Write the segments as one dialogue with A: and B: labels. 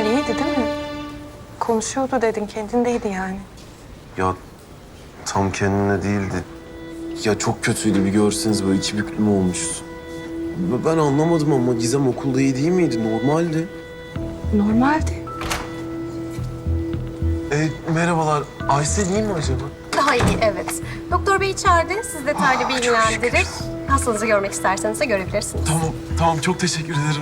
A: İyiydi değil mi? Konuşuyordu dedin, kendindeydi yani.
B: Ya tam kendine değildi. Ya çok kötüydü, bir görseniz böyle içi büklüm olmuştu. Ben anlamadım ama Gizem okulda iyi değil miydi? Normaldi.
A: Normaldi.
B: Merhabalar. Aysel iyi mi acaba?
C: Daha iyi, evet. Doktor Bey içeride. Siz detaylı bilgilendirir. Hastanızı görmek isterseniz de görebilirsiniz.
B: Tamam çok teşekkür ederim.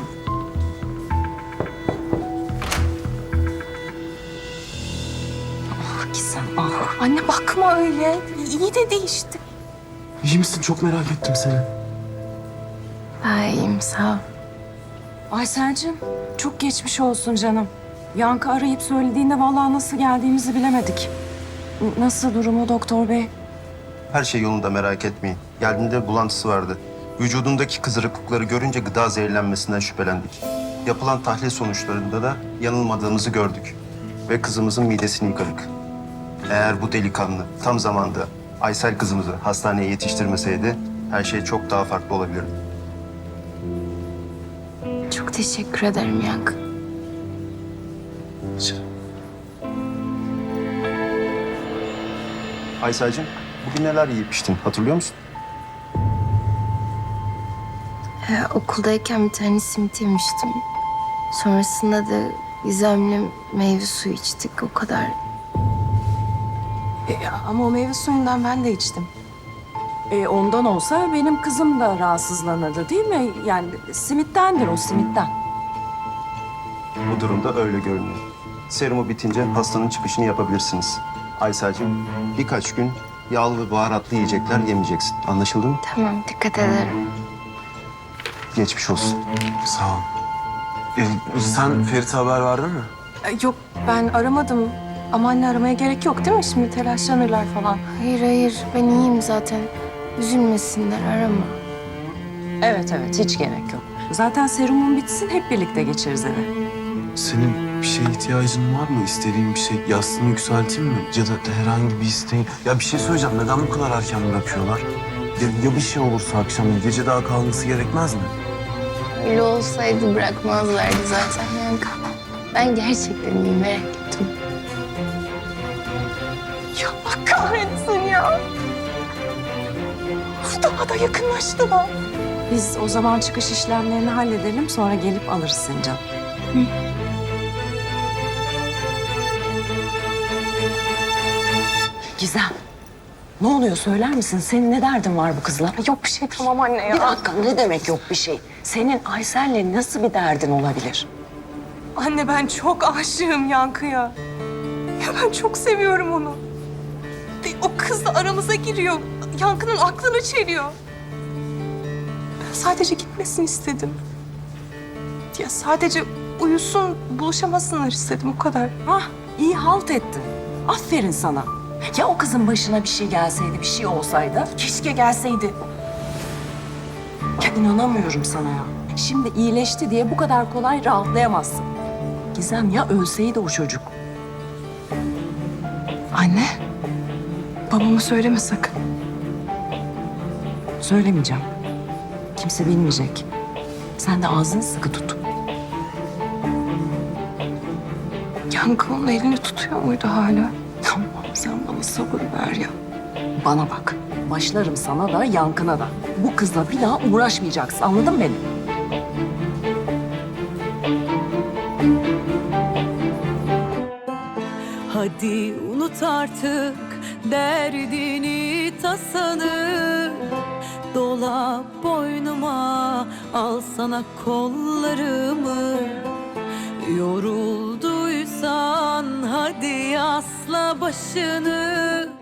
A: Gizem, ah. Anne bakma öyle. İyi dedi işte.
B: İyi misin? Çok merak ettim seni.
D: İyiyim sağ ol.
E: Aysel'cim çok geçmiş olsun canım. Yankı arayıp söylediğinde vallahi nasıl geldiğimizi bilemedik. Nasıl durumu doktor bey?
F: Her şey yolunda, merak etmeyin. Geldiğinde bulantısı vardı. Vücudundaki kızarıklıkları görünce gıda zehirlenmesinden şüphelendik. Yapılan tahlil sonuçlarında da yanılmadığımızı gördük. Ve kızımızın midesini yıkadık. Eğer bu delikanlı tam zamanda Aysel kızımızı hastaneye yetiştirmeseydi her şey çok daha farklı olabilirdi.
D: Çok teşekkür ederim Yankı.
F: Aysel'cim, bugün neler yiyip içtin hatırlıyor musun?
D: Okuldayken bir tane simit yemiştim. Sonrasında da Gizem'le meyve suyu içtik o kadar.
E: Ama o meyve suyundan ben de içtim. Ondan olsa benim kızım da rahatsızlanırdı değil mi? Yani simittendir o, simitten.
F: Bu durumda öyle görünüyor. Serumu bitince hastanın çıkışını yapabilirsiniz. Aysel'cim, birkaç gün yağlı ve baharatlı yiyecekler yemeyeceksin. Anlaşıldı mı?
D: Tamam dikkat ederim.
F: Geçmiş olsun.
B: Sağ ol. Sen Ferit'e haber verdin mi?
A: Yok, ben aramadım. Ama anne aramaya gerek yok değil mi? Şimdi telaşlanırlar falan.
D: Hayır ben iyiyim zaten. Üzülmesinler arama.
E: Evet hiç gerek yok. Zaten serumun bitsin hep birlikte geçeriz eve.
B: Senin bir şeye ihtiyacın var mı? İstediğin bir şey, yastığını yükselteyim mi? Ya da herhangi bir isteğin. Ya bir şey söyleyeceğim. Neden bu kadar erken bırakıyorlar? Ya bir şey olursa akşam gece daha kalması gerekmez mi?
D: Öyle olsaydı bırakmazlardı zaten Yankı. Ben gerçekten iyiyim merak ettim.
A: Ya Allah kahretsin ya. Uf, daha da yakınlaştılar.
E: Biz o zaman çıkış işlemlerini halledelim sonra gelip alırız seni canım. Gizem, ne oluyor söyler misin? Senin ne derdin var bu kızla?
A: Yok bir şey, tamam anne ya.
E: Bir dakika, ne demek yok bir şey? Senin Aysel'le nasıl bir derdin olabilir?
A: Anne ben çok aşığım Yankı'ya. Ya ben çok seviyorum onu. O kız da aramıza giriyor. Yankı'nın aklını çeliyor. Ben sadece gitmesini istedim. Ya sadece uyusun, buluşamasınlar istedim o kadar.
E: Hah, iyi halt ettin. Aferin sana. Ya o kızın başına bir şey gelseydi, bir şey olsaydı? Keşke gelseydi. Ya inanamıyorum sana ya. Şimdi iyileşti diye bu kadar kolay rahatlayamazsın. Gizem ya ölseydi o çocuk?
A: Anne, babama söyleme sakın.
E: Söylemeyeceğim. Kimse bilmeyecek. Sen de ağzını sıkı tut.
A: Yankı onun elini tutuyor muydu hala?
E: Tamam, sen bana sabır ver ya. Bana bak, başlarım sana da, Yankı'na da. Bu kızla bir daha uğraşmayacaksın, anladın mı beni?
G: Hadi unut artık derdini tasanı. Dola boynuma, al sana kollarımı. Yorulduysan hadi asla başını.